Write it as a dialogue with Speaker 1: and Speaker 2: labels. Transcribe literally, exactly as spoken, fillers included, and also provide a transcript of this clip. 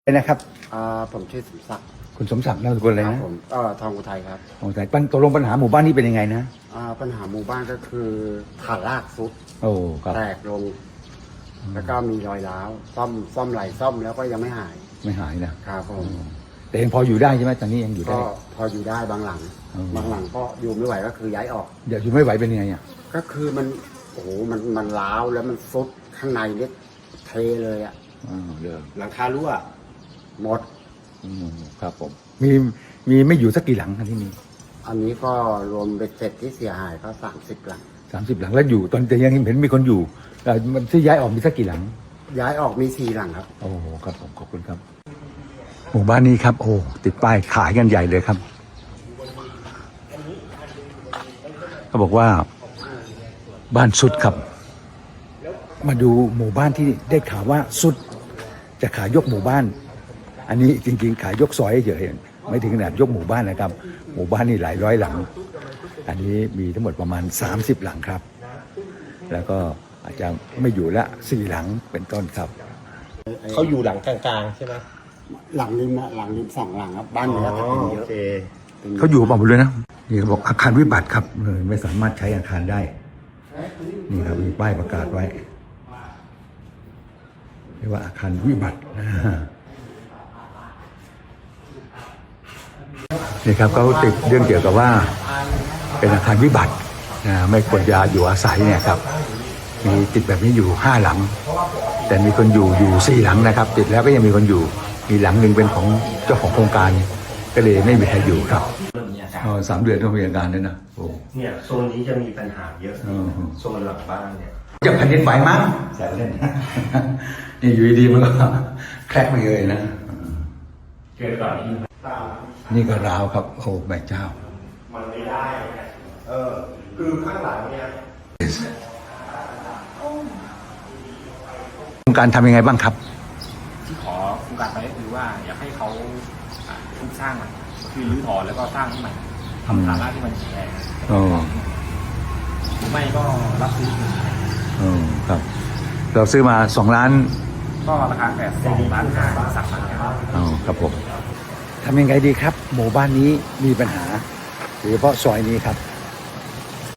Speaker 1: นะครับ
Speaker 2: อ่าผมชื่อสมศักดิ์
Speaker 1: คุณสมศักดิ์นามสกุลอะไร
Speaker 2: ครั
Speaker 1: นะ
Speaker 2: ผมเอ่อทองอุทัยครับ
Speaker 1: โอ้แต่ปัญตกลงปัญหาหมู่บ้านนี้เป็นยังไงนะ
Speaker 2: อ่าปัญหาหมู่บ้านก็คือฐานรากซุด
Speaker 1: โอ้ครับ
Speaker 2: แตกลง แล้วก็มีรอยร้าวซ่อมซ่อมไหลซ่อมแล้วก็ยังไม่หาย
Speaker 1: ไม่หายนะครับ
Speaker 2: ผม
Speaker 1: แต่ยังพออยู่ได้ใช่ไหมตอนนี้ยังอยู่ได้
Speaker 2: ก็พออยู่ได้บางหลัง
Speaker 1: อืม
Speaker 2: บางหลังก็อยู่ไม่ไหวก็คือย้ายออก
Speaker 1: เดี๋ยวอยู่ไม่ไหวเป็นยังไงอ่ะ
Speaker 2: ก็คือมันโอ้โหมันมันร้าวแล้วมันซุดข้างในเนี่ยเทเลยอะ
Speaker 1: อ๋อเดี๋ยว
Speaker 2: หลังคารั่วหมด
Speaker 1: อืมครับผมมีมีไม่อยู่สักกี่หลังครับที่นี่
Speaker 2: อันนี้ก็รวมเบ็ดเสร็จที่เสียหายก็สามสิบหลัง
Speaker 1: สามสิบหลังแล้วอยู่ตอนแต่ยังเห็นมีคนอยู่แต่มันที่ย้ายออกมีสักกี่หลัง
Speaker 2: ย้ายออกมีสี่หลังครับ
Speaker 1: โอ้ครับผมขอบคุณครับหมู่บ้านนี้ครับโอ้ติดป้ายขายกันใหญ่เลยครับเขาบอกว่าบ้านสุดครับ มาดูหมู่บ้านที่ได้ข่าวว่าสุดจะขายยกหมู่บ้าน อันนี้จริงๆขายยกซอยเฉยๆไม่ถึงขนาดยกหมู่บ้านนะครับ หมู่บ้านนี่หลายร้อยหลัง อันนี้มีทั้งหมดประมาณสามสิบหลังครับ แล้วก็อาจจะไม่อยู่ละสี่หลังเป็นต้นครับ
Speaker 3: เขาอยู่หลังกลางๆใช่ไหม
Speaker 2: หลังริมอะหลังริมสองหลังครับบ้านเนี้ยจะเป็นเย
Speaker 3: โอ
Speaker 2: อะ
Speaker 3: เค
Speaker 1: เขาอยู่บอกหมดเลยนะนี่เขาบอกอาคารวิบัติครับเลยไม่สามารถใช้อาคารได้นี่ครับมีป้ายประกาศไว้เรียกว่าอาคารวิบัตินะนี่ครับเขาติดเรื่องเกี่ยวกับว่าเป็นอาคารวิบัตินะไม่ควรจะอยู่อาศัยเนี่ยครับมีติดแบบนี้อยู่ห้าหลัง แต่มีคนอยู่อยู่สี่หลังนะครับ ติดแล้วก็ยังมีคนอยู่มีหลังหนึ่งเป็นของเจ้าของโครงการก็เลยไม่มีใครอยู่ครับ
Speaker 3: เริ่มมีอาการ
Speaker 1: อ๋อสามเดือนต้องมีอาการด้วยนะโอ้
Speaker 3: เนี่ยโซนนี้จะมีปัญหาเยอะโซนหลังบ้านเนี่ย
Speaker 1: จะแผ่นดินไหวมั้งแซวเล่น นี่อยู่ดีๆมันก็แคลกไปเลยนะ
Speaker 3: เกิดก่อนนี้
Speaker 1: นี่ก็ราวครับโอ้แม่เจ้า
Speaker 3: มันไม่ได้เออคือข้างหลังเนี่ย
Speaker 1: โครงการทำยังไงบ้างครับ
Speaker 4: ที่ขอโครงการไปก็คือว่าอยากให้เขาอ่าทุบสร้างใหม่คือรื้อถอนแล้วก็สร้างให้ใหม่ทำฐานรากที่มันแข็งแรง
Speaker 1: โอ้
Speaker 4: หรือไม่ก็รับซื้อคืน
Speaker 1: โอ้ครับ เราซื้อมาสองล้าน
Speaker 4: ก็ราคาแปดสองล้านห้าสามล้านห้า
Speaker 1: อ๋อครับผมทำยังไงดีครับ หมู่บ้านนี้มีปัญหาโดยเฉพาะซอยนี้ครับ